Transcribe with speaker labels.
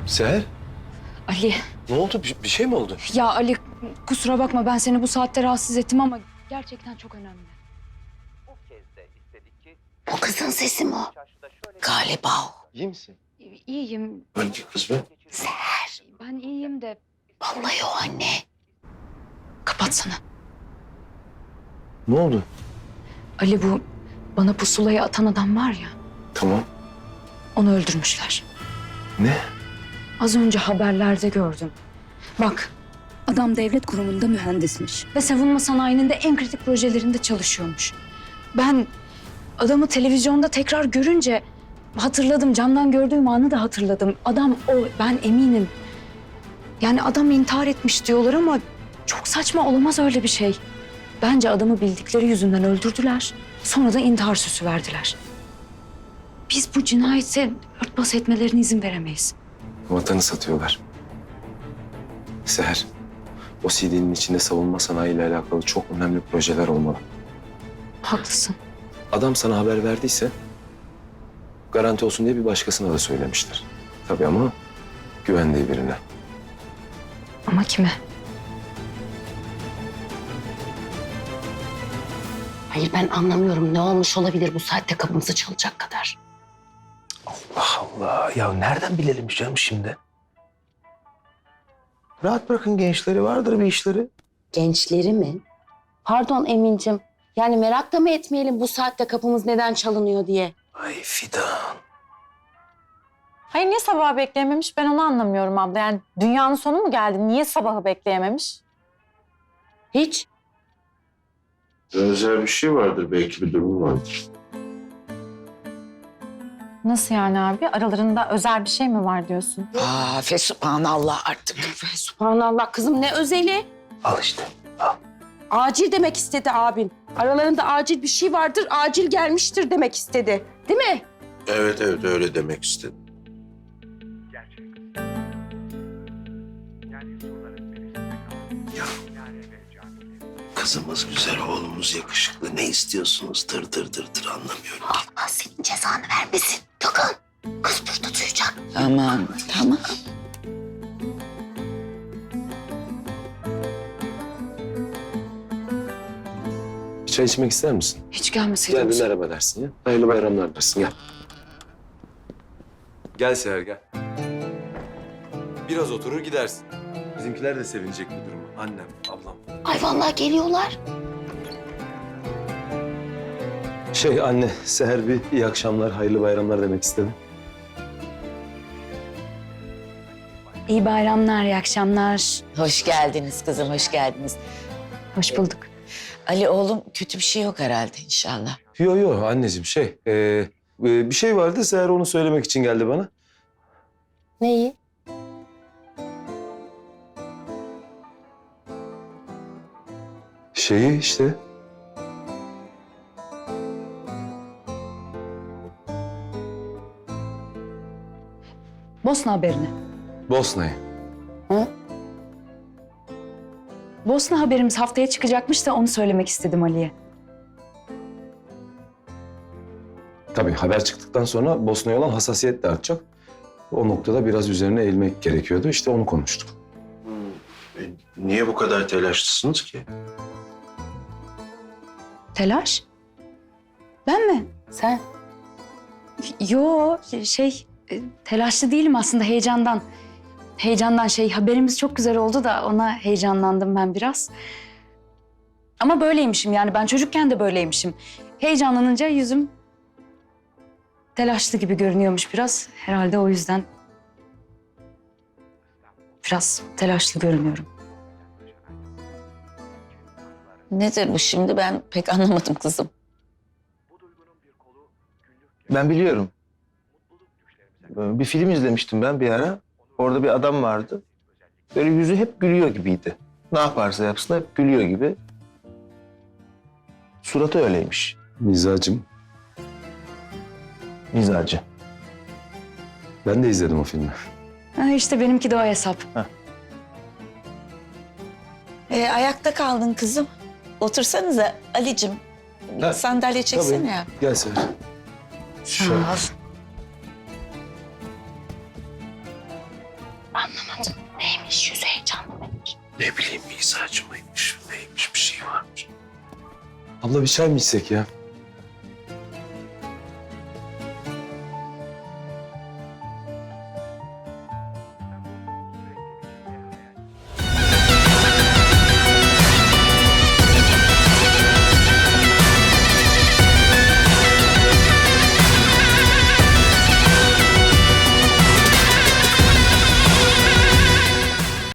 Speaker 1: Seher,
Speaker 2: Ali,
Speaker 1: ne oldu? Bir şey mi oldu?
Speaker 2: ya Ali kusura bakma ben seni bu saatte rahatsız ettim ama gerçekten çok önemli.
Speaker 3: O kızın sesi mi o? Galiba o.
Speaker 1: İyi misin?
Speaker 2: İyiyim.
Speaker 1: Hangi kız be?
Speaker 3: Seher.
Speaker 2: Ben iyiyim de
Speaker 3: Vallahi o anne.
Speaker 2: kapatsana.
Speaker 1: Ne oldu?
Speaker 2: Ali bu bana pusulayı atan adam var ya,
Speaker 1: Tamam.
Speaker 2: onu öldürmüşler.
Speaker 1: Ne?
Speaker 2: Az önce haberlerde gördüm. Bak, adam devlet kurumunda mühendismiş ve savunma sanayinin de en kritik projelerinde çalışıyormuş. Ben adamı televizyonda tekrar görünce hatırladım, camdan gördüğüm anı da hatırladım. Adam o, ben eminim. Yani adam intihar etmiş diyorlar ama çok saçma, olamaz öyle bir şey. Bence adamı bildikleri yüzünden öldürdüler. Sonra da intihar süsü verdiler. Biz bu cinayete örtbas etmelerine izin veremeyiz.
Speaker 1: Vatanı satıyorlar. Seher, o CD'nin içinde savunma sanayiyle alakalı çok önemli projeler olmalı.
Speaker 2: Haklısın.
Speaker 1: Adam sana haber verdiyse garanti olsun diye bir başkasına da söylemiştir. Tabii ama güvendiği birine.
Speaker 2: Ama kime?
Speaker 3: Hayır ben anlamıyorum. Ne olmuş olabilir bu saatte kapımızı çalacak kadar?
Speaker 4: Allah Allah. Ya nereden bilelim canım şimdi? Rahat bırakın gençleri. Vardır bir işleri.
Speaker 3: Gençleri mi? Pardon Emin'cim. Yani merak da mı etmeyelim bu saatte kapımız neden çalınıyor diye?
Speaker 4: Ay Fidan.
Speaker 5: Hayır niye sabahı bekleyememiş ben onu anlamıyorum abla. Yani dünyanın sonu mu geldi? Niye sabahı bekleyememiş?
Speaker 3: Hiç.
Speaker 6: Özel bir şey vardır, belki bir durum vardır.
Speaker 5: Nasıl yani abi? Aralarında özel bir şey mi var diyorsun?
Speaker 3: Fesubhanallah artık. Fesubhanallah kızım ne özeli?
Speaker 4: Al işte. Al.
Speaker 3: Acil demek istedi abin. Aralarında acil bir şey vardır, acil gelmiştir demek istedi. Değil mi?
Speaker 6: Evet öyle demek istedim.
Speaker 4: Kızımız güzel, oğlumuz yakışıklı. Ne istiyorsunuz? Dır anlamıyorum.
Speaker 3: Allah senin cezanı vermesin. Takın. Kız burada duyacak.
Speaker 7: Tamam, tamam.
Speaker 1: Bir çay içmek ister misin?
Speaker 2: Hiç gelmeseydin.
Speaker 1: Gel bir merhaba dersin ya. Hayırlı bayramlar dersin, gel. Gel Seher, gel. Biraz oturur gidersin. Bizimkiler de sevinecek bu duruma. Annem, ablam.
Speaker 3: Ay vallahi geliyorlar.
Speaker 1: Anne, Seher bir iyi akşamlar, hayırlı bayramlar demek istedim.
Speaker 2: İyi bayramlar, iyi akşamlar.
Speaker 7: Hoş geldiniz kızım, hoş geldiniz.
Speaker 2: Hoş bulduk.
Speaker 7: Ali oğlum kötü bir şey yok herhalde inşallah.
Speaker 1: Yo anneciğim bir şey vardı, Seher onu söylemek için geldi bana.
Speaker 3: Neyi?
Speaker 1: Şeyi işte.
Speaker 2: Bosna haberini.
Speaker 1: Bosna'yı.
Speaker 2: Bosna haberimiz haftaya çıkacakmış da onu söylemek istedim Ali'ye.
Speaker 1: Tabii haber çıktıktan sonra Bosna'ya olan hassasiyet de artacak. O noktada biraz üzerine eğilmek gerekiyordu. İşte onu konuştuk.
Speaker 6: Niye bu kadar telaşlısınız ki?
Speaker 2: Telaş? Ben mi?
Speaker 3: Sen?
Speaker 2: Yo, telaşlı değilim aslında, heyecandan. Heyecandan haberimiz çok güzel oldu da ona heyecanlandım ben biraz. Ama böyleymişim yani, ben çocukken de böyleymişim. Heyecanlanınca yüzüm telaşlı gibi görünüyormuş biraz. Herhalde o yüzden biraz telaşlı görünüyorum.
Speaker 7: Nedir bu şimdi ben pek anlamadım kızım.
Speaker 4: Ben biliyorum. Bir film izlemiştim ben bir ara. Orada bir adam vardı. Böyle yüzü hep gülüyor gibiydi. Ne yaparsa yapsın hep gülüyor gibi. Suratı öyleymiş.
Speaker 1: Mizacım,
Speaker 4: Mizacı.
Speaker 1: ben de izledim o filmi.
Speaker 2: Ha, işte benimki de o hesap.
Speaker 7: Ayakta kaldın kızım. Otursanıza Ali'cim. Bir
Speaker 1: Ha,
Speaker 7: sandalye çeksene ya.
Speaker 1: Gel Seher.
Speaker 7: Sağ ol.
Speaker 3: Anlamadım. Neymiş? Yüzü heyecanlı mıymış?
Speaker 6: Ne bileyim mizacı mıymış, neymiş bir şey varmış.
Speaker 1: Abla bir çay mı içsek ya?